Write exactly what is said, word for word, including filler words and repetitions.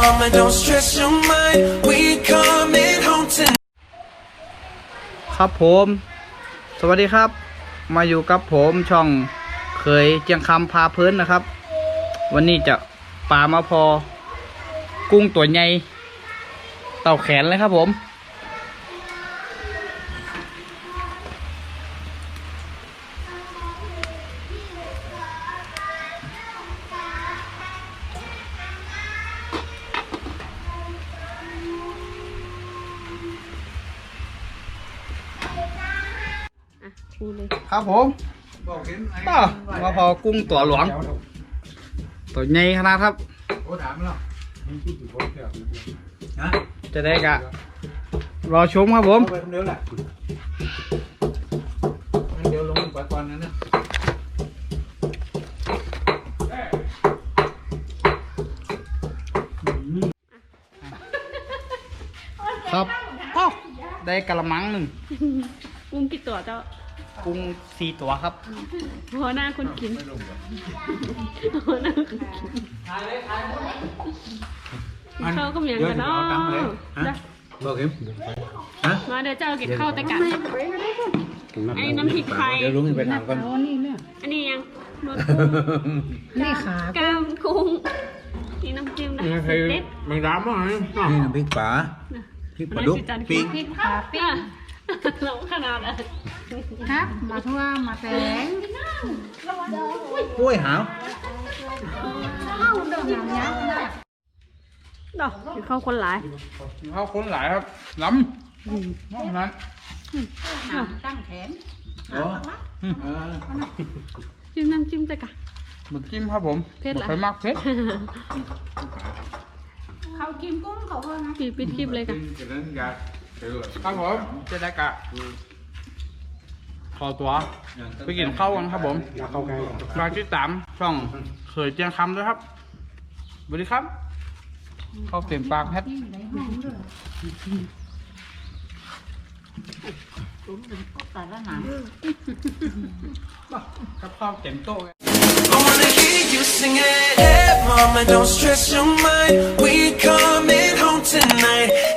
mama, don't stress your mind. We coming home tonight. ครับผมสวัสดีครับมาอยู่กับผมช่องเคยเจียงคำพาเพลินนะครับวันนี้จะปลามาพอกุ้งตัวใหญ่เต่าแขนเลยครับผมครับผมต่อมาพอกุ้งตัวหลวงตัวใหญ่ขนาดครับจะได้กะรอชมครับผมเดี๋ยวแหละเดี๋ยวลงไปก่อนนั้นนะครับอ้าวได้กะละมังหนึ่งกุ้งกี่ตัวเจ้ากุ้งสี่ตัวครับหัวหน้าคนกินหัวหน้าคนกินข้าวก็มีอย่างกันเนาะบอกเอ็มฮะมาเดี๋ยวเจ้าเก็บข้าวแต่กันไอ้น้ำพริกไทยเดี๋ยวลุงไปถามก่อนอันนี้ยังนวดกุ้งนี่ขากล้ามกุ้งนี่น้ำจิ้มนะเด็ดแมงดาบ้างไหมนี่น้ำพริกป๋าพริกปลาดุกปิ้งพริกขาปิ้งเราขนาดอ่ะครับมาทั่วมาแตงกล้วยหาวข้าวเดิมอย่างเงี้ยดอกกินข้าวคนหลายเขาคนหลายครับล้ำมากนั้นตั้งแขนอ๋อจิ้มน้ำจิ้มแต่กันหมึกจิ้มครับผมเผ็ดเหรอไปมากเผ็ดเขากินกุ้งเขาเพิ่มนะปีปิดคลิปเลยกันครับผมจะได้กะขอตัวไปกินข้าวกันครับผมฝากติดตามช่องเคยเจียงคำด้วยครับสวัสดีครับข้าวเต็มปากแพทแต่ละหนังกับข้าวเต็มโต๊ะ I wanna hear you sing it. Hey, mama, don't stress your mind. We coming home tonight.